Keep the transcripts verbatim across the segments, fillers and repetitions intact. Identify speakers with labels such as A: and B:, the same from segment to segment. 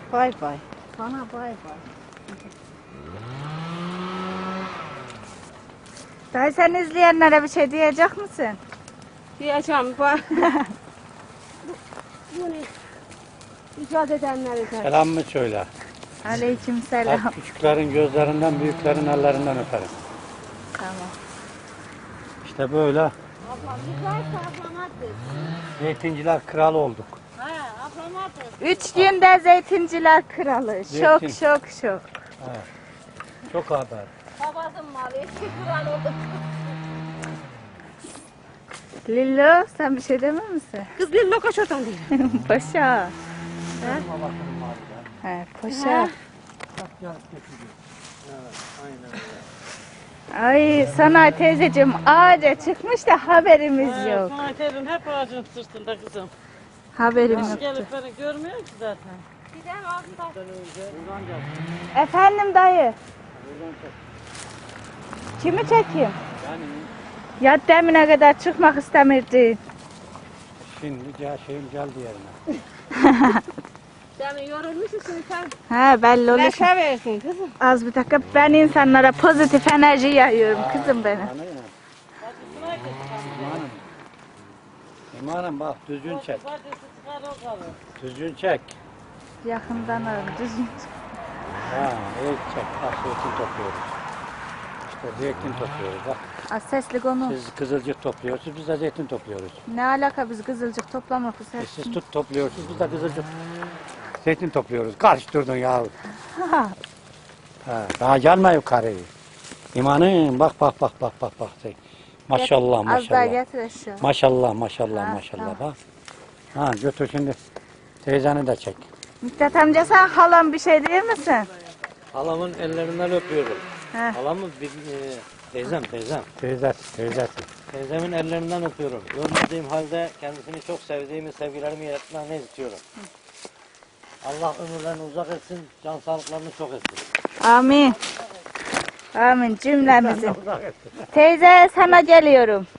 A: Bay bay. Sana bay bay.
B: Dayı sen izleyenlere bir şey diyecek misin?
A: Diyeceğim bak. Bunu icat edenlere de.
C: Selam mı söyle?
B: Aleyküm selam.
C: Hep küçüklerin gözlerinden, büyüklerin ellerinden öperim.
B: Tamam.
C: İşte böyle
A: Ablam güzel ablamadır.
C: zeytinciler kralı olduk.
A: Ha ablamadır.
B: Üç günde zeytinciler kralı. Şok
C: Zeytin.
B: şok şok.
C: Evet. Çok haber.
A: Babasının malı eski kural oldu.
B: Lillo sen bir şey demem misin?
A: Kız bir lokaç oradan değil.
B: Paşa.
C: Benim babasının malı ya.
B: He, paşa.
C: Bak yarıp getiriyor. Evet, aynen öyle.
B: Ay Sana teyzeciğim ağaca çıkmış da haberimiz
D: Evet,
B: yok.
D: Sana terin hep ağacın sırtında kızım.
B: Haberim
D: Hiç
B: yok.
D: gelip beni görmüyor ki zaten.
A: Gidelim abla.
C: Buradan gel.
B: Efendim dayı.
C: Buradan çek.
B: Kimi çekeyim?
C: Yani
B: Ya demine kadar çıkmak istemirdin.
C: şimdi gel şeyim geldi yerine.
A: Sen yorulmuşsun sen.
B: He belli olur.
A: Neşe versin kızım.
B: Az bir dakika ben insanlara pozitif enerji yayıyorum kızım benim.
C: Anayın. İmanım. İmanım bak düzgün çek.
D: Pazartesi çıkar o kalır.
C: Düzgün çek.
B: Yakından alın düzgün.
C: Ha, evet çek. Bak zeytin topluyoruz. İşte zeytin topluyoruz bak.
B: Az sesli konu.
C: Siz kızılcık topluyorsunuz, biz de zeytin topluyoruz.
B: Ne alaka biz kızılcık toplamak bu
C: E
B: ses.
C: siz tut topluyorsunuz, biz de kızılcık zeytin topluyoruz. Karıştırdın ya. Ha, daha gelme yukarı. İmanım bak bak bak bak bak bak. Maşallah
B: Az daha
C: maşallah.
B: getir aşağı.
C: Maşallah maşallah
B: Ha,
C: maşallah
B: tamam.
C: bak. Ha götür şimdi teyzeni de çek.
B: Miktat amca sen halam bir şey değil misin?
E: Halamın ellerinden öpüyorum.
B: He.
E: Halamın bir, e, teyzem teyzem.
C: Teyzesi teyzesi.
E: Teyzemin ellerinden öpüyorum. Görmediğim halde kendisini çok sevdiğimi, sevgilerimi iletmeni istiyorum. Allah ömürlerini uzak etsin, can sağlıklarını çok etsin.
B: Amin. Amin cümlemizin. Teyze sana geliyorum.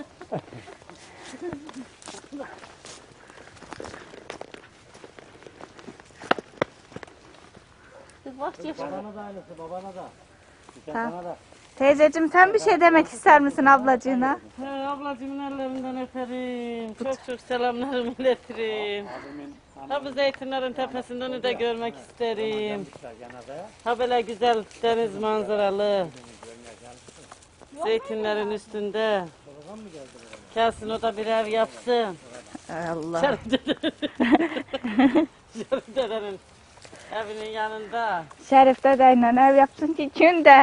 A: Kız bak çek.
E: Babana da aynısı, babana da. Bir
B: Ha.
E: sana da.
B: Teyzeciğim sen bir şey demek ister misin ablacığına?
D: He, ablacığımın ellerinden öperim. Çok çok selamlarımı iletirim. Ha bu zeytinlerin tepesinden de görmek isterim. Ha böyle güzel deniz manzaralı. Zeytinlerin üstünde. Gelsin o da bir ev yapsın.
B: Allah.
D: Şerif dedenin. Şerif dedenin evinin yanında.
B: Şerif dedeyle ev yapsın ki günde.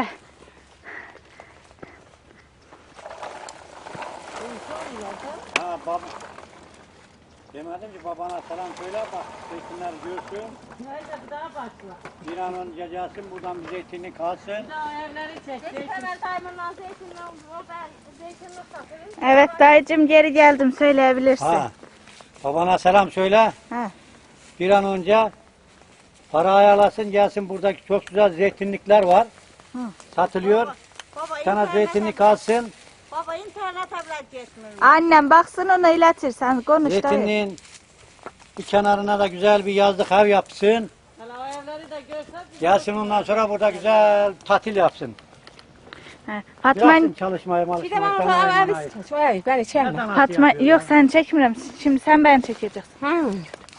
C: Ha baba. Demedim ki babana selam söyle bak zeytinler görsün.
D: Neyse bir daha başla.
C: Bir an önce gelsin buradan bir zeytinlik alsın.
D: Bir daha evleri çek. Zeytin.
A: Hemen taymandan zeytinden o ben zeytinle satırım.
B: Evet dayıcığım geri geldim söyleyebilirsin.
C: Ha. Babana selam söyle.
B: Ha.
C: Bir an önce para ayarlasın gelsin buradaki çok güzel zeytinlikler var.
B: Hı.
C: Satılıyor.
A: Baba
C: Sana zeytinlik alsın.
A: Baba internet tablet geçmiyor.
B: Annem baksın onu iletirsen konuş dayı.
C: Zeytinliğin bir kenarına da güzel bir yazlık ev yapsın.
D: Hele o evleri de görsen
C: Gelsin ondan sonra burada güzel tatil yapsın.
B: Ha, Fatma,
C: Yapsın çalışmayı malışmayı.
A: Bir de
C: sana
A: bana
C: ayırmayı.
A: abi vay beni çekme.
C: Neden nasıl
B: Fatma
C: yapıyor
B: yok
C: ya?
B: sen çekmiyorum. Şimdi sen ben çekeceksin.
A: Hı.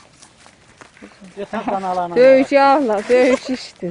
C: Yeter sana alana.
A: Dövüş ağla, dövüş işte.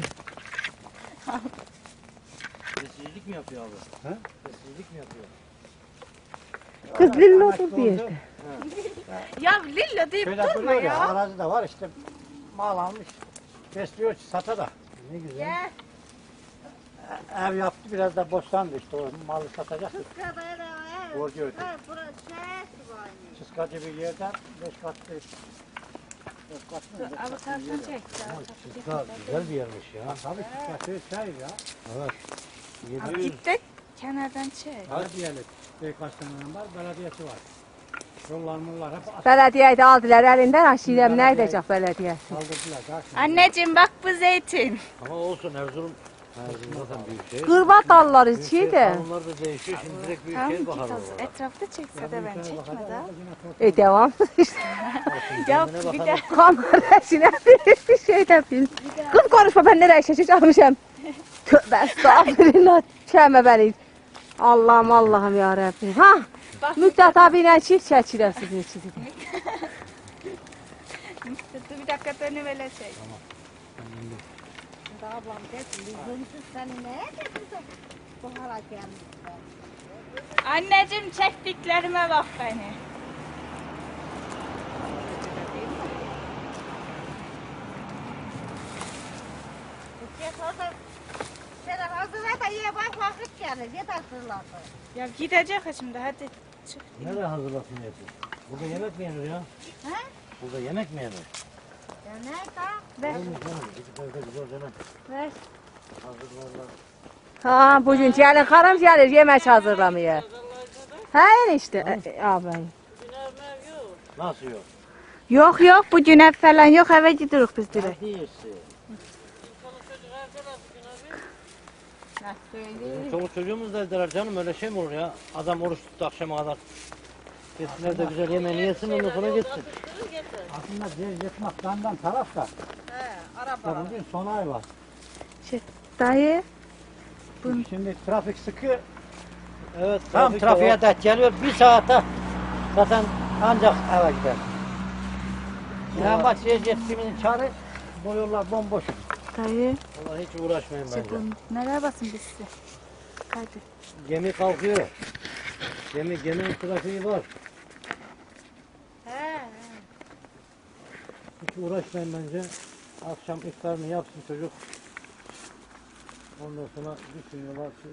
E: Sessizlik mi yapıyor abi?
C: He?
E: Sessizlik mi yapıyor?
A: Kız lilla otur bir yerde.
B: Ya Lilla deyip
C: Şöyle duruyor ya. Arazi de var işte. Mal almış. Besliyor sata da. Ne güzel.
A: Gel.
C: E- Ev yaptı biraz da boşlandı işte o malı satacak. Borcu ödedi.
A: Burası neresi var?
C: Çıskacı bir yerden beş katlı. Beş katlı mı? Beş katlı bir yer.
E: Çıska güzel bir yermiş ya.
C: Ha, tabii çıskacı çay ya.
E: Evet.
C: yedi yüz
B: Gittik kenardan çek.
C: belediyelik. Birkaç tane var belediyesi var. Yollar mullar hep as-
A: Belediyeyi de aldılar elinden aşirem ne edecek belediye?
C: kaldırdılar. Karşına.
B: Anneciğim bak bu zeytin.
E: Ama olsun Erzurum Erzin zaten büyük şehir.
B: Kırbat dalları
E: Büyük
B: içi
E: şehir
B: de.
E: kanunlar da değişiyor. Şimdi direkt büyük
B: Tamam
E: şehir
B: ki
E: bakalım.
B: tas etrafta çekse de ben çekme de. E devam işte. Ya
E: Kendine
B: bir
E: bakalım.
B: de kamera içine bir şey de bil. Kız konuşma ben nereye şaşıracağım. Tövbe estağfurullah. Çeme beni. Allah'ım Allah'ım ya Rabbim. Ha? Müktat abiyle çift çeçiler sizin için.
A: Dur bir dakika dönüp öyle şey. Anneciğim çektiklerime bak beni. Ya gidecek şimdi hadi. Çık.
E: Nereye hazırlasın eti? Burada yemek mi yenir ya?
A: He?
E: Burada yemek mi yenir?
A: Ver.
E: Olur mu canım? Gidip evde güzel yemek
A: Ver.
E: hazırlarlar.
B: Ha bugün gelin karım gelir yemek hazırlamaya. He işte. E, abi.
E: Nasıl yok?
B: Yok yok bugün ev falan yok eve gidiyoruz biz direkt.
E: Ne diyorsun? Bizim çoluk çocuğumuz da evdeler canım, öyle şey mi olur ya? Adam oruç tuttu akşama kadar. Gitsinler de güzel yemeğini yesin, ondan sonra gitsin.
C: Aslında Cevdet Maktan'dan taraf da.
D: He, araba.
C: Da bugün son ay var.
B: Şey, dayı.
C: Şimdi trafik sıkı.
E: Evet,
C: Tam
E: trafik de
C: trafiğe
E: var.
C: denk geliyor. Bir saate zaten ancak eve gider. Yani bak Cevdet'imin çare bu yollar bomboş.
B: Dayı.
E: Vallahi hiç uğraşmayın
B: Şey,
E: bence.
B: bu nereye basın biz size? Hadi.
E: Gemi kalkıyor. Gemi, geminin trafiği var.
A: He.
E: Hiç uğraşmayın bence. Akşam iftarını yapsın çocuk. Ondan sonra düşünüyorlar.